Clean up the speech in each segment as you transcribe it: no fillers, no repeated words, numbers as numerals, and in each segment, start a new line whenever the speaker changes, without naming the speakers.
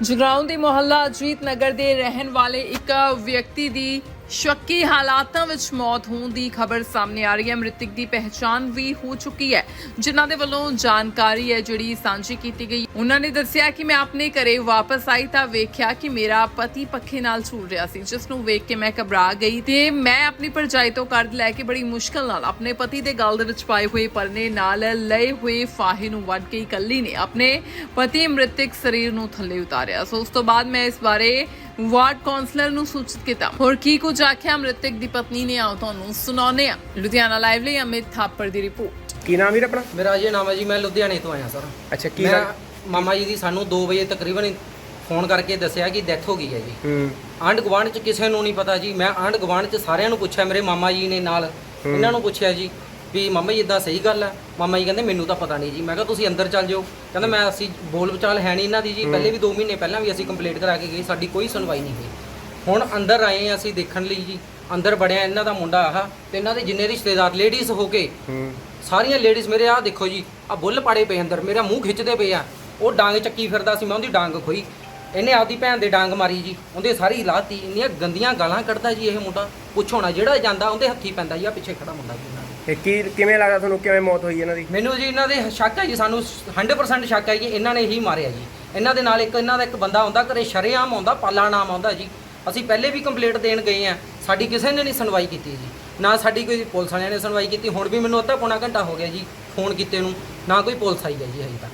ਜਗਰਾਉਂ ਦੇ ਮੁਹੱਲਾ ਅਜੀਤ ਨਗਰ ਦੇ ਰਹਿਣ ਵਾਲੇ ਇੱਕ ਵਿਅਕਤੀ ਦੀ ਸ਼ੱਕੀ ਹਾਲਾਤਾਂ ਵਿੱਚ ਮੌਤ ਹੋਣ ਦੀ ਖਬਰ ਸਾਹਮਣੇ ਆ ਰਹੀ ਹੈ। ਮ੍ਰਿਤਕ ਦੀ ਪਹਿਚਾਣ ਵੀ ਹੋ ਚੁੱਕੀ ਹੈ। ਜਿਨ੍ਹਾਂ ਦੇ ਵੱਲੋਂ ਜਾਣਕਾਰੀ ਹੈ ਜਿਹੜੀ ਸਾਂਝੀ ਕੀਤੀ ਗਈ। ਉਹਨਾਂ ਨੇ ਦੱਸਿਆ ਕਿ ਮੈਂ ਆਪਣੇ ਘਰੇ ਵਾਪਸ ਆਈ ਤਾਂ ਵੇਖਿਆ ਕਿ ਮੇਰਾ ਪਤੀ ਪੱਖੇ ਨਾਲ ਝੂਲ ਰਿਹਾ ਸੀ, ਜਿਸ ਨੂੰ ਵੇਖ ਕੇ ਮੈਂ ਘਬਰਾ ਗਈ ਤੇ ਮੈਂ ਆਪਣੀ ਭਰਜਾਈ ਤੋਂ ਕਰਜ਼ ਲੈ ਕੇ ਬੜੀ ਮੁਸ਼ਕਲ ਨਾਲ ਆਪਣੇ ਪਤੀ ਦੇ ਗਲ ਦੇ ਵਿੱਚ ਪਾਏ ਹੋਏ ਪਰਨੇ ਨਾਲ ਲਏ ਹੋਏ ਫਾਹੇ ਨੂੰ ਵੱਢ ਕੇ ਇਕੱਲੀ ਨੇ ਆਪਣੇ ਪਤੀ ਮ੍ਰਿਤਕ ਸਰੀਰ ਨੂੰ ਥੱਲੇ ਉਤਾਰਿਆ। ਸੋ ਉਸ ਤੋਂ ਬਾਅਦ ਮੈਂ ਇਸ ਬਾਰੇ ਵਾਰਡ ਕਾਉਂਸਲਰ ਨੂੰ ਸੂਚਿਤ ਕੀਤਾ। ਹੋਰ ਕੀ ਕੁਝ ਆਖਿਆ ਮ੍ਰਿਤਕ ਦੀ ਪਤਨੀ ਨੇ, ਆਓ ਤੁਹਾਨੂੰ ਸੁਣਾਉਂਦੇ ਹਾਂ। ਲੁਧਿਆਣਾ ਲਾਈਵ ਲਈ ਅਮਿਤ ਥਾਪੜ ਦੀ ਰਿਪੋਰਟ।
ਕੀ ਨਾਮ ਵੀਰ ਆਪਣਾ?
ਮੇਰਾ ਅਜੇ ਨਾਮ ਹੈ ਜੀ। ਮੈਂ ਲੁਧਿਆਣੇ ਤੋਂ ਆਇਆ ਸਰ।
ਅੱਛਾ, ਕੀ
ਮੈਂ ਮਾਮਾ ਜੀ ਦੀ ਸਾਨੂੰ 2 ਵਜੇ ਤਕਰੀਬਨ ਫੋਨ ਕਰਕੇ ਦੱਸਿਆ ਕਿ ਡੈਥ ਹੋ ਗਈ ਹੈ ਜੀ। ਆਂਢ ਗੁਆਂਢ ਚ ਕਿਸੇ ਨੂੰ ਨਹੀਂ ਪਤਾ ਜੀ। ਮੈਂ ਆਂਢ ਗੁਆਂਢ ਚ ਸਾਰਿਆਂ ਨੂੰ ਪੁੱਛਿਆ, ਮੇਰੇ ਮਾਮਾ ਜੀ ਨੇ ਨਾਲ ਇਹਨਾਂ ਨੂੰ ਪੁੱਛਿਆ ਜੀ ਵੀ ਮਾਮਾ ਜੀ ਇਦਾਂ ਸਹੀ ਗੱਲ ਹੈ? ਮਾਮਾ ਜੀ ਕਹਿੰਦੇ ਮੈਨੂੰ ਤਾਂ ਪਤਾ ਨਹੀਂ ਜੀ। ਮੈਂ ਕਿਹਾ ਤੁਸੀਂ ਅੰਦਰ ਚੱਲ ਜਾਓ। ਕਹਿੰਦਾ ਮੈਂ ਅਸੀਂ ਬੋਲ ਵਿਚਾਲ ਹੈ ਨਹੀਂ ਇਹਨਾਂ ਦੀ ਜੀ। ਪਹਿਲੇ ਵੀ 2 ਮਹੀਨੇ ਪਹਿਲਾਂ ਵੀ ਅਸੀਂ ਕੰਪਲੀਟ ਕਰਾ ਕੇ ਗਏ, ਸਾਡੀ ਕੋਈ ਸੁਣਵਾਈ ਨਹੀਂ ਹੋਈ। ਹੁਣ ਅੰਦਰ ਆਏ ਅਸੀਂ ਦੇਖਣ ਲਈ ਜੀ। ਅੰਦਰ ਵੜਿਆ ਇਹਨਾਂ ਦਾ ਮੁੰਡਾ ਆਹ ਤੇ ਇਹਨਾਂ ਦੇ ਜਿੰਨੇ ਰਿਸ਼ਤੇਦਾਰ ਲੇਡੀਜ਼ ਹੋ ਕੇ ਸਾਰੀਆਂ ਲੇਡੀਜ਼ ਮੇਰੇ ਆਹ ਦੇਖੋ ਜੀ, ਆ ਬੁੱਲ ਪਾੜੇ ਪਏ ਅੰਦਰ, ਮੇਰਾ ਮੂੰਹ ਖਿੱਚਦੇ ਪਏ ਆ। ਉਹ ਡਾਂਗ ਚੱਕੀ ਫਿਰਦਾ ਸੀ, ਮੈਂ ਉਹਦੀ ਡਾਂਗ ਖੋਈ। ਇਹਨੇ ਆਪਦੀ ਭੈਣ ਦੇ ਡਾਂਗ ਮਾਰੀ ਜੀ, ਉਹਦੇ ਸਾਰੀ ਲਾਤੀ। ਇੰਨੀਆਂ ਗੰਦੀਆਂ ਗਾਲਾਂ ਕੱਢਦਾ ਜੀ ਇਹ ਮੁੰਡਾ, ਪੁੱਛੋ ਨਾ। ਜਿਹੜਾ ਜਾਂਦਾ ਉਹਦੇ ਹੱਥੀ ਪੈਂਦਾ ਜੀ। ਆ ਪਿੱਛੇ ਖੜਾ ਮੁੰਡਾ ਜੀ।
ਕਿਵੇਂ ਲੱਗਦਾ ਤੁਹਾਨੂੰ, ਕਿਵੇਂ ਮੌਤ ਹੋਈ ਇਹਨਾਂ ਦੀ?
ਮੈਨੂੰ ਜੀ ਇਹਨਾਂ ਦੇ ਸ਼ੱਕ ਹੈ ਜੀ, ਸਾਨੂੰ 100% ਸ਼ੱਕ ਹੈ ਕਿ ਇਹਨਾਂ ਨੇ ਹੀ ਮਾਰਿਆ ਜੀ। ਇਹਨਾਂ ਦੇ ਨਾਲ ਇਹਨਾਂ ਦਾ ਇੱਕ ਬੰਦਾ ਆਉਂਦਾ ਘਰੇ, ਸ਼ਰੇਆਮ ਆਉਂਦਾ, ਪਾਲਾ ਨਾਮ ਆਉਂਦਾ ਜੀ। ਅਸੀਂ ਪਹਿਲੇ ਵੀ ਕੰਪਲੇਂਟ ਦੇਣ ਗਏ ਆ, ਸਾਡੀ ਕਿਸੇ ਨੇ ਨਹੀਂ ਸੁਣਵਾਈ ਕੀਤੀ ਜੀ। ਨਾ ਸਾਡੀ ਕੋਈ ਪੁਲਿਸ ਵਾਲਿਆਂ ਨੇ ਸੁਣਵਾਈ ਕੀਤੀ। ਹੁਣ ਵੀ ਮੈਨੂੰ ਅੱਧਾ ਪੌਣਾ ਘੰਟਾ ਹੋ ਗਿਆ ਜੀ ਫੋਨ ਕੀਤੇ ਨੂੰ, ਨਾ ਕੋਈ ਪੁਲਿਸ ਆਈ ਹੈ ਜੀ ਹਜੇ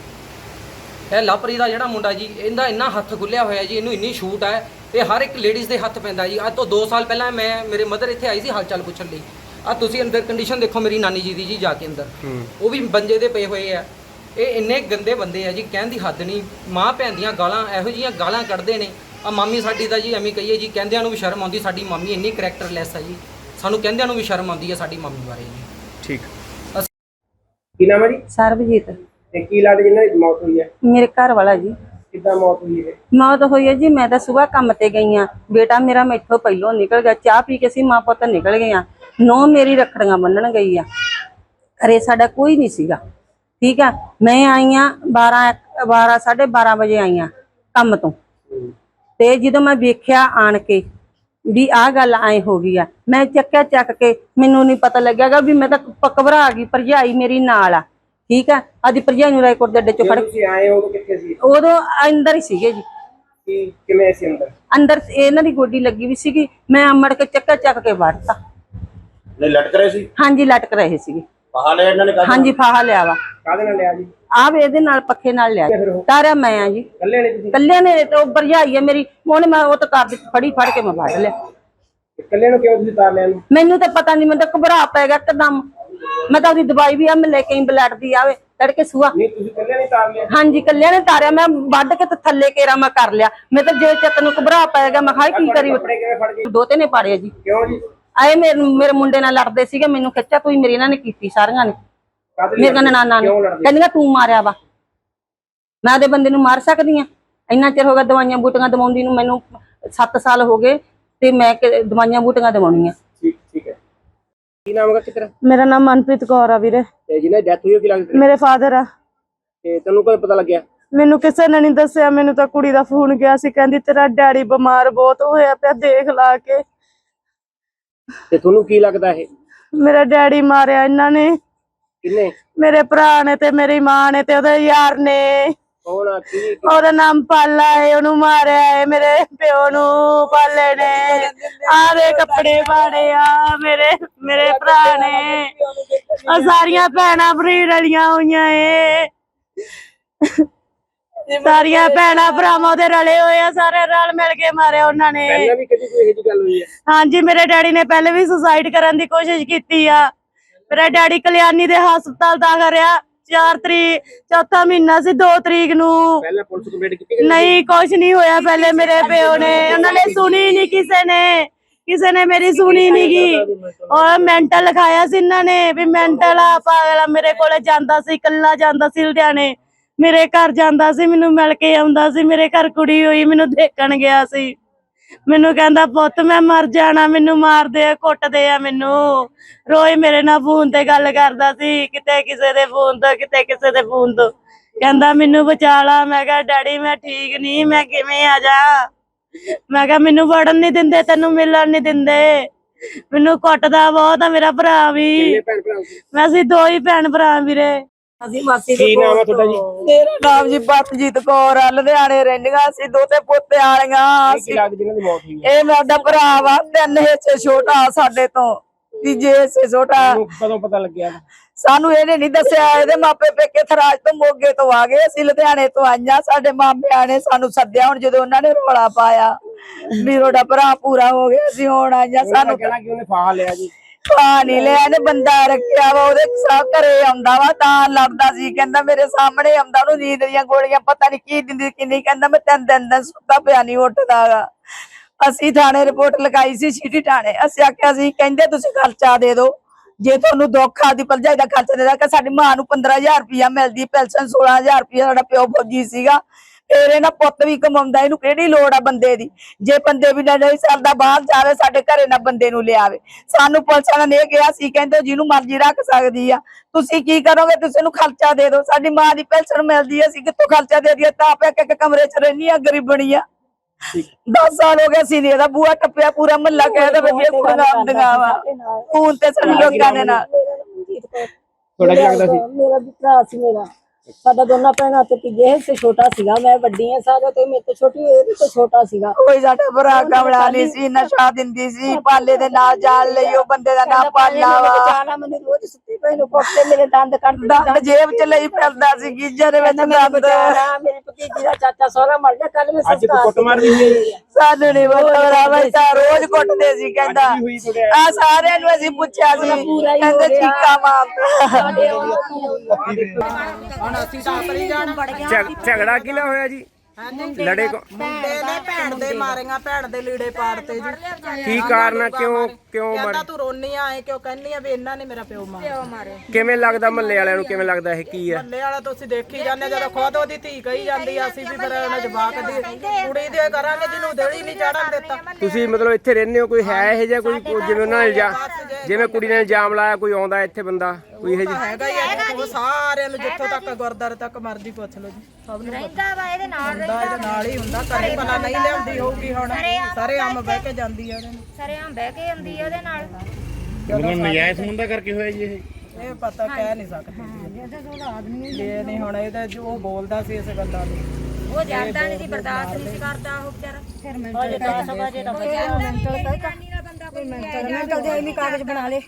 ਤੱਕ। ਇਹ ਲਵਪ੍ਰੀਤ ਦਾ ਜਿਹੜਾ ਮੁੰਡਾ ਜੀ, ਇਹਦਾ ਇੰਨਾ ਹੱਥ ਖੁੱਲਿਆ ਹੋਇਆ ਜੀ, ਇਹਨੂੰ ਇੰਨੀ ਛੂਟ ਹੈ, ਇਹ ਹਰ ਇੱਕ ਲੇਡੀਜ਼ ਦੇ ਹੱਥ ਪੈਂਦਾ ਜੀ। ਅੱਜ ਤੋਂ 2 ਸਾਲ ਪਹਿਲਾਂ ਮੇਰੇ ਮਦਰ ਇੱਥੇ ਆਈ ਸੀ ਹਾਲ ਚਾਲ ਪੁੱਛਣ ਲਈ। ਆ ਤੁਸੀਂ ਅੰਦਰ ਕੰਡੀਸ਼ਨ ਦੇਖੋ ਮੇਰੀ ਨਾਨੀ ਜੀ ਦੀ ਜੀ, ਜਾ ਕੇ ਅੰਦਰ ਉਹ ਵੀ ਬੰਜੇ ਦੇ ਪਏ ਹੋਏ ਆ। ਇਹ ਇੰਨੇ ਗੰਦੇ ਬੰਦੇ ਆ ਜੀ, ਕਹਿਣ ਦੀ ਹੱਦ ਨਹੀਂ। ਮਾਂ ਭੈਣ ਦੀਆਂ ਗਾਲਾਂ, ਇਹੋ ਜਿਹੀਆਂ ਗਾਲਾਂ ਕੱਢਦੇ ਨੇ। ਆ ਮਾਮੀ ਸਾਡੀ ਦਾ ਜੀ ਐਵੇਂ ਕਹੀਏ ਜੀ, ਕਹਿੰਦਿਆਂ ਨੂੰ ਵੀ ਸ਼ਰਮ ਆਉਂਦੀ। ਸਾਡੀ ਮਾਮੀ ਇੰਨੀ ਕਰੈਕਟਰਲੈਸ ਹੈ ਜੀ, ਸਾਨੂੰ ਕਹਿੰਦਿਆਂ ਨੂੰ ਵੀ ਸ਼ਰਮ ਆਉਂਦੀ ਹੈ ਸਾਡੀ ਮਾਮੀ ਬਾਰੇ ਜੀ।
ਠੀਕ। ਕੀ ਨਾਮ ਹੈ ਜੀ?
ਸਰਬਜੀਤ।
ਤੇ ਕੀ ਲੱਗਦਾ ਜਿੰਨਾਂ ਦੀ ਮੌਤ ਹੋਈ ਹੈ?
ਮੇਰੇ ਘਰ ਵਾਲਾ ਜੀ।
ਕਿੱਦਾਂ ਮੌਤ ਹੋਈ ਹੈ?
ਮੌਤ ਹੋਈ ਹੈ ਜੀ, ਮੈਂ ਤਾਂ ਸਵੇਰ ਕੰਮ ਤੇ ਗਈ ਆ। ਬੇਟਾ ਮੇਰਾ ਮੈਥੋਂ ਪਹਿਲੋਂ ਨਿਕਲ ਗਿਆ, ਚਾਹ ਪੀ ਕੇ ਸੀ ਮਾਂ ਪੁੱਤ ਨਿਕਲ ਗਏ ਆ। ਨੌ ਮੇਰੀ ਰੱਖੜੀਆਂ ਬੰਨਣ ਗਈ ਆ। ਘਰੇ ਸਾਡਾ ਕੋਈ ਨਹੀਂ ਸੀਗਾ, ਠੀਕ ਆ। ਮੈਂ ਆਈ ਆ 12 ਵਜੇ ਆਈ ਆ ਕੰਮ ਤੋਂ। ਤੇ ਜਦੋਂ ਮੈਂ ਵੇਖਿਆ ਆਣ ਕੇ ਵੀ ਆਹ ਗੱਲ ਐ ਹੋ ਗਈ ਆ, ਮੈਂ ਚੱਕ ਕੇ, ਮੈਨੂੰ ਨਹੀਂ ਪਤਾ ਲੱਗਿਆਗਾ ਵੀ ਮੈਂ ਤਾਂ ਘਬਰਾ ਗਈ। ਭਰਜਾਈ ਮੇਰੀ ਨਾਲ ਆ, ਠੀਕ ਆ। ਆਦੀ ਭਰਜਾਈ ਨੂੰ ਰਾਏਕੋਟ ਦੇ ਅੱਡੇ ਚੋਂ ਫੜ
ਤੁਸੀਂ ਆਏ ਉਦੋਂ ਕਿੱਥੇ ਸੀ?
ਉਦੋਂ ਅੰਦਰ ਹੀ ਸੀਗੇ ਜੀ।
ਕਿਵੇਂ ਸੀ ਅੰਦਰ?
ਅੰਦਰ ਇਹਨਾਂ ਦੀ ਗੋਡੀ ਲੱਗੀ ਵੀ ਸੀਗੀ। ਮੈਂ ਅਮੜ ਕੇ ਚੱਕ ਕੇ ਵੜਤਾ।
ਨਹੀਂ ਲਟਕ ਰਹੇ ਸੀ?
ਹਾਂਜੀ, ਲਟਕ ਰਹੇ ਸੀਗੇ।
ਫਾਹਾ ਲਿਆ ਇਹਨਾਂ ਨੇ?
ਹਾਂਜੀ, ਫਾਹਾ ਲਿਆ ਵਾ।
ਕਾਹਦੇ ਨਾਲ ਲਿਆ ਜੀ?
ਆਹ ਇਹਦੇ ਨਾਲ ਪੱਖੇ ਨਾਲ ਲਿਆ। ਤਾਰਿਆ ਮੈਂ ਆ ਜੀ।
ਕੱਲੇ ਨੇ ਤੁਸੀਂ?
ਕੱਲਿਆਂ ਨੇ। ਤੇ ਉਹ ਭਰਜਾਈ ਆ ਮੇਰੀ, ਉਹਨੇ ਮੈਂ ਉਹ ਤਾਂ ਕਰ ਫੜ ਕੇ ਮੈਂ ਵੜ ਲਿਆ।
ਕੱਲੇ ਨੂੰ ਕਿਉਂ ਤੁਸੀਂ ਤਾਰ ਲਿਆ ਇਹਨੂੰ?
ਮੈਨੂੰ ਤਾਂ ਪਤਾ ਨਹੀਂ, ਮੈਨੂੰ ਤਾਂ ਘਬਰਾ ਪੈ ਗਿਆ ਇੱਕਦਮ। ਮੈਂ ਤਾਂ ਉਹਦੀ ਦਵਾਈ ਵੀ ਆ ਮੈਂ ਲੈ ਕੇ ਆਈ, ਬਲੱਡ ਦੀ ਆਵੇ ਤੜਕੇ ਸੁਆ।
ਨਹੀਂ ਤੁਸੀਂ ਕੱਲੇ ਨਹੀਂ ਤਾਰ ਲਿਆ?
ਹਾਂਜੀ, ਕੱਲਿਆਂ ਨੇ ਤਾਰਿਆ। ਮੈਂ ਵੱਢ ਕੇ ਤੇ ਥੱਲੇ ਕੇਰਾ ਮੈਂ ਕਰ ਲਿਆ। ਮੈਂ ਤਾਂ ਜੇ ਚੱਤ ਨੂੰ ਘਬਰਾ ਪੈ ਗਿਆ, ਮੈਂ ਕਿਹਾ ਕੀ ਕਰੀ।
ਕੱਪੜੇ ਕਿਵੇਂ ਫੜ ਗਏ?
ਦੋਤੇ ਨੇ ਪਾੜਿਆ ਜੀ।
ਕਿਉਂ ਜੀ?
ਆਏ ਮੇਰੇ ਮੁੰਡੇ ਨਾਲ ਲੜਦੇ ਸੀਗੇ, ਮੈਨੂੰ ਖਿੱਚਿਆ ਤੂੰ ਮੇਰੀ ਇਹਨਾਂ ਨੇ ਕੀਤੀ ਸਾਰੀਆਂ ਨੇ। ਮੇਰੇ ਨਨਾਣਾ ਨੇ ਕਹਿੰਦੀਆਂ ਤੂੰ ਮਾਰਿਆ ਵਾ। ਮੈਂ ਉਹਦੇ ਬੰਦੇ ਨੂੰ ਮਾਰ ਸਕਦੀ ਆ? ਇੰਨਾ ਚਿਰ ਹੋ ਗਿਆ ਦਵਾਈਆਂ ਬੂਟੀਆਂ ਦਵਾਉਂਦੀ ਨੂੰ, ਮੈਨੂੰ 7 ਸਾਲ ਹੋ ਗਏ ਤੇ ਮੈਂ ਦਵਾਈਆਂ ਬੂਟੀਆਂ ਦਵਾਉਣੀਆਂ।
ਠੀਕ ਹੈ। ਕੀ ਨਾਮ ਹੈ ਕਿਤਰਾ?
ਮੇਰਾ ਨਾਮ ਮਨਪ੍ਰੀਤ ਕੌਰ ਆ ਵੀਰੇ।
ਤੇ ਜਿਹਨੇ ਡੈਥ ਹੋਈ ਉਹ ਕੀ ਲੱਗਦਾ?
ਮੇਰੇ ਫਾਦਰ ਆ।
ਤੇ ਤੈਨੂੰ ਕਦੋਂ ਪਤਾ ਲੱਗਿਆ?
ਮੈਨੂੰ ਕਿਸੇ ਨੇ ਨਹੀਂ ਦੱਸਿਆ। ਮੈਨੂੰ ਤਾਂ ਕੁੜੀ ਦਾ ਫੋਨ ਗਿਆ ਸੀ, ਕਹਿੰਦੀ ਤੇਰਾ ਡੈਡੀ ਬਿਮਾਰ ਬਹੁਤ ਹੋਇਆ ਪਿਆ, ਦੇਖ ਲਾ ਕੇ।
ਤੇ ਤੁਹਾਨੂੰ ਕੀ ਲੱਗਦਾ ਇਹ?
ਮੇਰਾ ਡੈਡੀ ਮਾਰਿਆ ਇਹਨਾਂ ਨੇ।
ਕਿੰਨੇ?
ਮੇਰੇ ਭਰਾ ਨੇ ਤੇ ਮੇਰੀ ਮਾਂ ਨੇ ਤੇ ਉਹਦੇ ਯਾਰ ਨੇ।
ਕੌਣ ਆ? ਕੀ?
ਉਹਦਾ ਨਾਮ ਪਾਲਾ ਹੈ, ਉਹਨੂੰ ਮਾਰਿਆ ਹੈ। ਮੇਰੇ ਪਿਓ ਨੂੰ ਪਾਲੇ ਨੇ ਆਦੇ ਕੱਪੜੇ ਪਾੜੇ ਆ। ਮੇਰੇ ਭਰਾ ਨੇ। ਉਹ ਸਾਰੀਆਂ ਭੈਣਾਂ ਬਰੀਡ ਵਾਲੀਆਂ ਹੋਈਆਂ ਏ। ਸਾਰੀਆਂ ਭੈਣਾਂ ਭਰਾਵਾਂ ਦੇ ਰਲੇ ਹੋਏ ਆ, ਸਾਰੇ ਰਲ ਮਿਲ ਕੇ ਮਾਰਿਆ ਉਹਨਾਂ ਨੇ।
ਪਹਿਲਾਂ ਵੀ ਕਦੀ ਕੋਈ ਇਹੋ ਜਿਹੀ ਗੱਲ ਹੋਈ ਹੈ?
ਹਾਂਜੀ, ਮੇਰੇ ਡੈਡੀ ਨੇ ਪਹਿਲੇ ਵੀ ਸੁਸਾਈਡ ਕਰਨ ਦੀ ਕੋਸ਼ਿਸ਼ ਕੀਤੀ ਆ। ਮੇਰਾ ਡੈਡੀ ਕਲਿਆਣੀ ਦੇ ਹਸਪਤਾਲ ਦਾਖਲ ਰਿਹਾ। 4 ਤਰੀਕ, ਚੌਥਾ ਮਹੀਨਾ ਸੀ, 2 ਤਰੀਕ ਨੂੰ।
ਪਹਿਲਾਂ ਪੁਲਿਸ ਕੰਪਲੇਂਟ ਕੀਤੀ?
ਨਹੀਂ, ਕੁਛ ਨਹੀਂ ਹੋਇਆ। ਪਹਿਲੇ ਮੇਰੇ ਪਿਓ ਨੇ, ਉਹਨਾਂ ਨੇ ਸੁਣੀ ਨਹੀਂ, ਕਿਸੇ ਨੇ ਮੇਰੀ ਸੁਣੀ ਨੀ ਗੀ। ਔਰ ਮੈਂਟਲ ਲਿਖਾਇਆ ਸੀ ਇਹਨਾਂ ਨੇ ਵੀ ਮੈਂਟਲ ਆ, ਪਾਗਲ ਆ। ਮੇਰੇ ਕੋਲੇ ਜਾਂਦਾ ਸੀ, ਇਕੱਲਾ ਜਾਂਦਾ ਸੀ ਲੁਧਿਆਣੇ। ਮੇਰੇ ਘਰ ਜਾਂਦਾ ਸੀ, ਮੈਨੂੰ ਮਿਲ ਕੇ ਆਉਂਦਾ ਸੀ। ਮੇਰੇ ਘਰ ਕੁੜੀ ਹੋਈ, ਮੈਨੂੰ ਦੇਖਣ ਗਿਆ ਸੀ। ਮੈਨੂੰ ਕਹਿੰਦਾ ਪੁੱਤ ਮੈਂ ਮਰ ਜਾਣਾ, ਮੈਨੂੰ ਮਾਰਦੇ ਆ, ਕੁੱਟਦੇ ਆ ਮੈਨੂੰ। ਰੋਜ਼ ਮੇਰੇ ਨਾਲ ਫੋਨ ਤੇ ਗੱਲ ਕਰਦਾ ਸੀ, ਕਿਤੇ ਕਿਸੇ ਦੇ ਫੋਨ ਤੋਂ, ਕਿਤੇ ਕਿਸੇ ਦੇ ਫੋਨ ਤੋਂ।
ਕਹਿੰਦਾ ਮੈਨੂੰ ਬਚਾ ਲਾ। ਮੈਂ ਕਿਹਾ ਡੈਡੀ ਮੈਂ ਠੀਕ ਨਹੀਂ, ਮੈਂ ਕਿਵੇਂ ਆ ਜਾ। ਮੈਂ ਕਿਹਾ ਮੈਨੂੰ ਵੜਨ ਨਹੀਂ ਦਿੰਦੇ, ਤੈਨੂੰ ਮਿਲਣ ਨਹੀਂ ਦਿੰਦੇ, ਮੈਨੂੰ ਕੁੱਟਦਾ ਬਹੁਤ ਆ ਮੇਰਾ ਭਰਾ ਵੀ।
ਕਿੰਨੇ ਭੈਣ ਭਰਾ ਸੀ?
ਮੈਂ ਅਸੀਂ 2 ਹੀ ਭੈਣ ਭਰਾ ਵੀਰੇ।
ਅਸੀਂ ਮਾਸੀ
ਕੀ ਨਾਮ ਹੈ ਤੁਹਾਡਾ ਜੀ?
ਮੇਰਾ ਨਾਮ ਜੀ ਪਰਮਜੀਤ ਕੌਰ ਆ, ਲੁਧਿਆਣੇ ਰਹਿੰਦੀਆਂ ਅਸੀਂ, ਦੋਤੇ ਪੋਤੇ ਵਾਲੀਆਂ
ਕੀ ਲੱਗਦਾ ਜਿਹਨਾਂ ਦੀ ਮੌਤ ਹੋਈ ਹੈ?
ਇਹ ਸਾਡਾ ਭਰਾ ਵਾ, 3 ਹਿੱਸੇ ਛੋਟਾ ਸਾਡੇ ਤੋਂ, ਤੀਜੇ ਹਿੱਸੇ ਛੋਟਾ।
ਤੁਹਾਨੂੰ ਕਦੋਂ ਪਤਾ ਲੱਗਿਆ?
ਸਾਨੂੰ ਇਹਨੇ ਨਹੀਂ ਦੱਸਿਆ। ਇਹਦੇ ਮਾਪੇ ਪੇਕੇ ਥਰਾਜ ਤੋਂ ਮੋਗੇ ਤੋਂ ਆ ਗਏ, ਅਸੀਂ ਲੁਧਿਆਣੇ ਤੋਂ ਆਈਆਂ। ਸਾਡੇ ਮਾਮਿਆਂ ਨੇ ਸਾਨੂੰ ਸੱਦਿਆ ਹੁਣ ਜਦੋਂ ਉਹਨਾਂ ਨੇ ਰੌਲਾ ਪਾਇਆ ਵੀ ਤੁਹਾਡਾ ਭਰਾ ਪੂਰਾ ਹੋ ਗਿਆ, ਅਸੀਂ ਹੁਣ ਆਈਆਂ। ਸਾਨੂੰ
ਕਹਿਣਾ ਕਿ ਉਹਨੇ ਫਾਹਾ ਲਿਆ ਜੀ।
ਖਾ ਨਹੀਂ ਲਿਆ, ਇਹਨੇ ਬੰਦਾ ਰੱਖਿਆ ਵਾ, ਉਹਦੇ ਸਭ ਘਰੇ ਆਉਂਦਾ ਵਾ ਤਾਂ ਲੜਦਾ ਸੀ। ਕਹਿੰਦਾ ਮੇਰੇ ਸਾਹਮਣੇ ਆਉਂਦਾ, ਉਹਨੂੰ ਨੀਂਦ ਦੀਆਂ ਗੋਲੀਆਂ ਪਤਾ ਨਹੀਂ ਕੀ ਦਿੰਦੀ ਕੀ ਨਹੀਂ। ਕਹਿੰਦਾ ਮੈਂ 3 ਦਿਨ ਸੁੱਤਾ ਪਿਆ ਨਹੀਂ ਉੱਠਦਾਗਾ। ਅਸੀਂ ਥਾਣੇ ਰਿਪੋਰਟ ਲਗਾਈ ਸੀ, ਸਿਟੀ ਥਾਣੇ। ਅਸੀਂ ਆਖਿਆ ਸੀ, ਕਹਿੰਦੇ ਤੁਸੀਂ ਖਰਚਾ ਦੇ ਦਿਓ, ਜੇ ਤੁਹਾਨੂੰ ਦੁੱਖ ਆਦੀ ਭਰਜਾਈ ਦਾ ਖਰਚਾ ਦੇ ਦਿਆ। ਸਾਡੀ ਮਾਂ ਨੂੰ 15,000 ਰੁਪਇਆ ਮਿਲਦੀ, ਪੈਨਸ਼ਨ 16,000 ਰੁਪਇਆ। ਸਾਡਾ ਪਿਓ ਫੌਜੀ ਸੀਗਾ, ਫਿਰ ਇਹਨਾਂ ਪੁੱਤ ਵੀ ਕਮਾਉਂਦਾ, ਇਹਨੂੰ ਕਿਹੜੀ ਲੋੜ ਆ ਬੰਦੇ ਦੀ? ਜੇ ਬੰਦੇ ਵੀ ਨਹੀਂ ਸਰਦਾ ਬਾਹਰ ਜਾਵੇ, ਸਾਡੇ ਘਰੇ ਨਾ ਬੰਦੇ ਨੂੰ ਲਿਆਵੇ। ਸਾਨੂੰ ਪੁਲਿਸ ਵਾਲਿਆਂ ਨੇ ਇਹ ਕਿਹਾ ਸੀ, ਕਹਿੰਦੇ ਜਿਹਨੂੰ ਮਰਜ਼ੀ ਰੱਖ ਸਕਦੀ ਆ, ਤੁਸੀਂ ਕੀ ਕਰੋਗੇ? ਤੁਸੀਂ ਇਹਨੂੰ ਖਰਚਾ ਦੇ ਦਿਓ। ਸਾਡੀ ਮਾਂ ਦੀ ਪੈਨਸ਼ਨ ਮਿਲਦੀ, ਅਸੀਂ ਕਿੱਥੋਂ ਖਰਚਾ ਦੇ ਦਈਏ? ਤਾਂ ਆਪੇ ਇੱਕ ਕਮਰੇ 'ਚ ਰਹਿੰਦੀ ਆ, ਗਰੀਬਣੀ ਆ। 10 ਸਾਲ ਹੋ ਗਏ ਸੀ ਇਹਦਾ ਬੂਹਾ ਟੱਪਿਆ, ਪੂਰਾ ਮਹੱਲਾ ਕਹਿੰਦਾ ਵੀ ਇਹ ਕੁੜੀਆਂ ਆਉਂਦੀਆਂ ਵਾ। ਹੁਣ ਤੇ ਸਾਡੇ ਲੋਕਾਂ ਦੇ ਨਾਲ
ਤੁਹਾਡਾ ਕੀ ਲੱਗਦਾ ਸੀ?
ਮੇਰਾ ਵੀ ਭਰਾ ਸੀ। ਮੇਰਾ ਸਾਡਾ ਦੋਨਾਂ ਭੈਣਾਂ ਤੇ ਤੀਜੇ ਹਿੱਸੇ ਛੋਟਾ ਸੀਗਾ। ਮੈਂ ਵੱਡੀ ਆ ਸਾਰਿਆਂ ਤੋਂ, ਮੇਰੇ ਤੋਂ ਛੋਟੀ, ਇਹ ਤੋਂ ਛੋਟਾ ਸੀਗਾ।
ਕੋਈ ਸਾਡਾ ਭਰਾ ਕਮਲਾ ਨਹੀਂ ਸੀ, ਨਸ਼ਾ ਦਿੰਦੀ ਸੀ, ਪਾਲੇ ਦੇ ਨਾਲ ਜਾਣ ਲਈ ਉਹ ਬੰਦੇ ਦਾ ਨਾਮ ਪਾਲਾ ਵਾ।
ਜਾਣਾ ਮੈਨੂੰ ਰੋਜ਼ ਸੁੱਤੀ ਪਈ ਨੂੰ ਕੁੱਟਦੇ, ਮੇਰੇ ਦੰਦ ਕੱਢਦਾ,
ਦੰਦ ਜੇਬ 'ਚ ਲਈ ਫਿਰਦਾ ਸੀ, ਗੀਜਰ ਦੇ ਵਿੱਚ ਦੰਦ।
ਮੇਰੀ ਭਤੀਜੀ ਦਾ ਚਾਚਾ ਸਹੁਰਾ ਮਰ ਗਿਆ ਕੱਲ। ਮੈਂ
ਅੱਜ ਕੁੱਟਮਾਰ ਵੀ ਹੋਈ ਹੈ?
ਸਾਨੂੰ ਨਹੀਂ ਪਤਾ ਭਰਾਵਾ, ਤਾਂ ਰੋਜ਼ ਕੁੱਟਦੇ ਸੀ। ਕਹਿੰਦਾ
ਹੋਈ ਤੁਹਾਡੇ?
ਆ ਸਾਰਿਆਂ ਨੂੰ ਅਸੀਂ ਪੁੱਛਿਆ ਸੀ, ਕਹਿੰਦੇ ਚੀਕਾ ਮਾਰਦਾ।
ਝਗੜਾ ਕਿਹਨਾਂ ਹੋਇਆ ਜੀ? ਲੜੇ
ਮੁੰਡੇ ਨੇ ਭੈਣ ਦੇ ਮਾਰੀਆਂ, ਭੈਣ ਦੇ ਲੀੜੇ ਪਾੜਤੇ ਜੀ।
ਕੀ ਕਾਰਨ ਆ? ਕਿਉਂ
ਕਹਿੰਦਾ ਤੂੰ ਰੋਨੀ ਆਏ ਕਿਉਂ? ਕਹਿੰਦੀ ਆ ਵੀ ਇਹਨਾਂ ਨੇ ਮੇਰਾ ਪਿਓ ਮਾਰਿਆ।
ਕਿਵੇਂ ਲੱਗਦਾ ਮਹੱਲੇ ਵਾਲਿਆਂ ਨੂੰ? ਕਿਵੇਂ ਲੱਗਦਾ ਇਹ ਕੀ ਆ?
ਮੱਲੇ ਵਾਲਾ ਤੁਸੀਂ ਦੇਖੀ ਜਾਂਦੇ, ਜਦੋਂ ਖੁਦ ਉਹਦੀ ਧੀ ਕਹੀ ਜਾਂਦੀ ਆ, ਅਸੀਂ ਵੀ ਫਿਰ ਉਹਨਾਂ ਜਵਾਕ ਦੀ ਕੁੜੀ ਦੇ ਕਰਾਂਗੇ ਜਿਹਨੂੰ ਦੇਲੀ ਨਹੀਂ ਚੜਨ ਦਿੱਤਾ।
ਤੁਸੀਂ ਮਤਲਬ ਇੱਥੇ ਰਹਿੰਦੇ ਹੋ, ਕੋਈ ਹੈ ਇਹ ਜਿਹਾ ਕੋਈ ਜਿਵੇਂ ਉਹਨਾਂ ਨੇ ਜਿਵੇਂ ਕੁੜੀ ਨੇ ਇਲਜ਼ਾਮ ਲਾਇਆ, ਕੋਈ ਆਉਂਦਾ ਇੱਥੇ ਬੰਦਾ ਕੋਈ ਇਹ ਜਿਹਾ?
ਹੈਗਾ ਹੀ ਆ, ਉਹ ਸਾਰਿਆਂ ਨੂੰ ਜਿੱਥੋਂ ਤੱਕ ਗੁਰਦਾਰੇ ਤੱਕ ਮਰਜ਼ੀ ਪੁੱਛ ਲਓ ਜੀ, ਸਭ ਨੂੰ
ਰਹਿੰਦਾ ਵਾ ਇਹਦੇ ਨਾਲ,
ਇਹਦੇ ਨਾਲ ਹੀ ਹੁੰਦਾ। ਘਰੇ ਭਲਾ ਨਹੀਂ ਲਿਆਉਂਦੀ ਹੋਊਗੀ, ਹੁਣ ਸਾਰੇ ਆਮ ਬਹਿ ਕੇ ਜਾਂਦੀ ਆ ਉਹਦੇ ਨਾਲ।
ਸਰੇਆਮ ਬਹਿ ਕੇ ਆਉਂਦੀ ਆ ਉਹਦੇ ਨਾਲ।
ਨਜਾਇਜ਼ ਹੁੰਦਾ ਕਰਕੇ ਹੋਇਆ ਜੀ
ਇਹ ਪਤਾ ਕਹਿ ਨਹੀਂ ਸਕਦੇ ਜੀ। ਇਹ ਨਹੀਂ ਹੁਣ ਇਹਦਾ ਜੋ ਬੋਲਦਾ ਸੀ ਇਸ ਗੱਲਾਂ ਨੂੰ,
ਉਹ ਜਰਦਾ ਨਹੀਂ ਸੀ, ਬਰਦਾਸ਼ਤ ਨਹੀਂ ਸੀ ਕਰਦਾ ਉਹ ਵਿਚਾਰਾ। ਫਿਰ
ਕਾਗਜ਼ ਬਣਾ ਲੇ।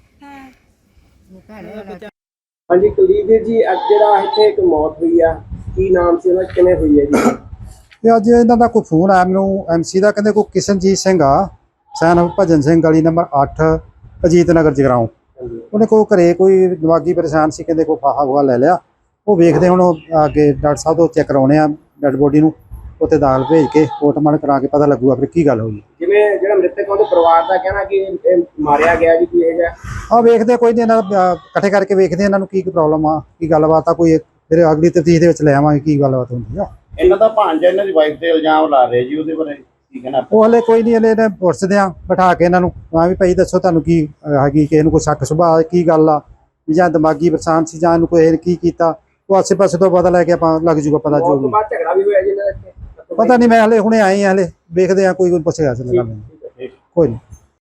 ਹਾਂਜੀ ਕੁਲਦੀਪ ਵੀਰ ਜੀ, ਅੱਜ ਜਿਹੜਾ ਇੱਥੇ ਇੱਕ ਮੌਤ ਹੋਈ ਆ, ਕੀ ਨਾਮ ਸੀ ਉਹਦਾ, ਕਿਵੇਂ ਹੋਈ ਹੈ ਜੀ?
ਤੇ ਅੱਜ ਇਹਨਾਂ ਦਾ ਕੋਈ ਫੋਨ ਆਇਆ ਮੈਨੂੰ ਐਮਸੀ ਦਾ, ਕਹਿੰਦੇ ਕੋਈ ਕਿਸ਼ਨਜੀਤ ਸਿੰਘ ਆ, ਸੈਨ ਭਜਨ ਸਿੰਘ ਗਲੀ ਨੰਬਰ 8 ਅਜੀਤ ਨਗਰ ਜਗਰਾਉਂ। ਉਹਨੇ ਕੋਈ ਘਰੇ ਕੋਈ ਦਿਮਾਗੀ ਪਰੇਸ਼ਾਨ ਸੀ, ਕਹਿੰਦੇ ਕੋਈ ਫਾਹਾ ਫੂਹਾ ਲੈ ਲਿਆ। ਉਹ ਵੇਖਦੇ ਹੁਣ ਅੱਗੇ ਡਾਕਟਰ ਸਾਹਿਬ ਤੋਂ ਚੈੱਕ ਕਰਾਉਣੇ ਆ ਡੈਡ ਬੋਡੀ ਨੂੰ, ਉੱਥੇ ਦਾਖਲ ਭੇਜ ਕੇ ਪੋਸਟਮਾਰਟਮ ਕਰਾ ਕੇ ਪਤਾ ਲੱਗੂਗਾ ਫਿਰ ਕੀ ਗੱਲ ਹੋਈ।
ਜਿਵੇਂ ਜਿਹੜਾ ਮ੍ਰਿਤਕ ਉਹਦੇ ਪਰਿਵਾਰ ਦਾ ਕਹਿਣਾ ਕਿ ਇਹ ਮਾਰਿਆ ਗਿਆ ਜੀ, ਕੀ ਇਹ ਜਿਹਾ?
ਆਹ ਵੇਖਦੇ ਕੋਈ ਨਹੀਂ, ਇਹਨਾਂ ਦਾ ਇਕੱਠੇ ਕਰਕੇ ਵੇਖਦੇ ਇਹਨਾਂ ਨੂੰ ਕੀ ਪ੍ਰੋਬਲਮ ਆ, ਕੀ ਗੱਲਬਾਤ ਆ, ਕੋਈ ਫਿਰ ਅਗਲੀ ਤਫਤੀਸ਼ ਦੇ ਵਿੱਚ ਲੈ ਆਵਾਂਗੇ ਕੀ ਗੱਲਬਾਤ ਹੁੰਦੀ ਆ।
ਇਹਨਾਂ ਦਾ ਭਾਂਜਾ ਇਹਨਾਂ ਦੀ ਵਾਈਫ ਤੇ ਇਲਜ਼ਾਮ ਲਾ ਰਹੇ ਜੀ, ਉਹਦੇ ਬਾਰੇ ਕੀ ਕਹਿਣਾ?
ਉਹ ਹਲੇ ਕੋਈ ਨਹੀਂ, ਹਲੇ ਇਹਨੇ ਪੁੱਛਦੇ ਆ ਬਿਠਾ ਕੇ ਇਹਨਾਂ ਨੂੰ, ਹਾਂ ਵੀ ਭਾਈ ਦੱਸੋ ਤੁਹਾਨੂੰ ਕੀ ਹੈਗੀ, ਕਿ ਇਹਨੂੰ ਕੋਈ ਸ਼ੱਕ ਸੁਭਾਅ ਕੀ ਗੱਲ ਆ, ਜਾਂ ਦਿਮਾਗੀ ਪਰੇਸ਼ਾਨ ਸੀ, ਜਾਂ ਇਹਨੂੰ ਕੋਈ ਕੀ ਕੀਤਾ। ਉਹ ਆਸੇ ਪਾਸੇ ਤੋਂ ਪਤਾ ਲੈ ਕੇ ਆਪਾਂ ਲੱਗ ਜੂਗਾ ਪਤਾ ਜੋ ਵੀ।
ਬਾਅਦ ਝਗੜਾ ਵੀ ਹੋਇਆ ਜੀ ਇਹਨਾਂ ਦਾ ਇੱਥੇ?
ਪਤਾ ਨਹੀਂ, ਮੈਂ ਹਲੇ ਹੁਣੇ ਆਏ ਆ, ਹਲੇ ਵੇਖਦੇ ਆ, ਕੋਈ ਪੁੱਛੇਗਾ ਕੋਈ ਨਹੀਂ।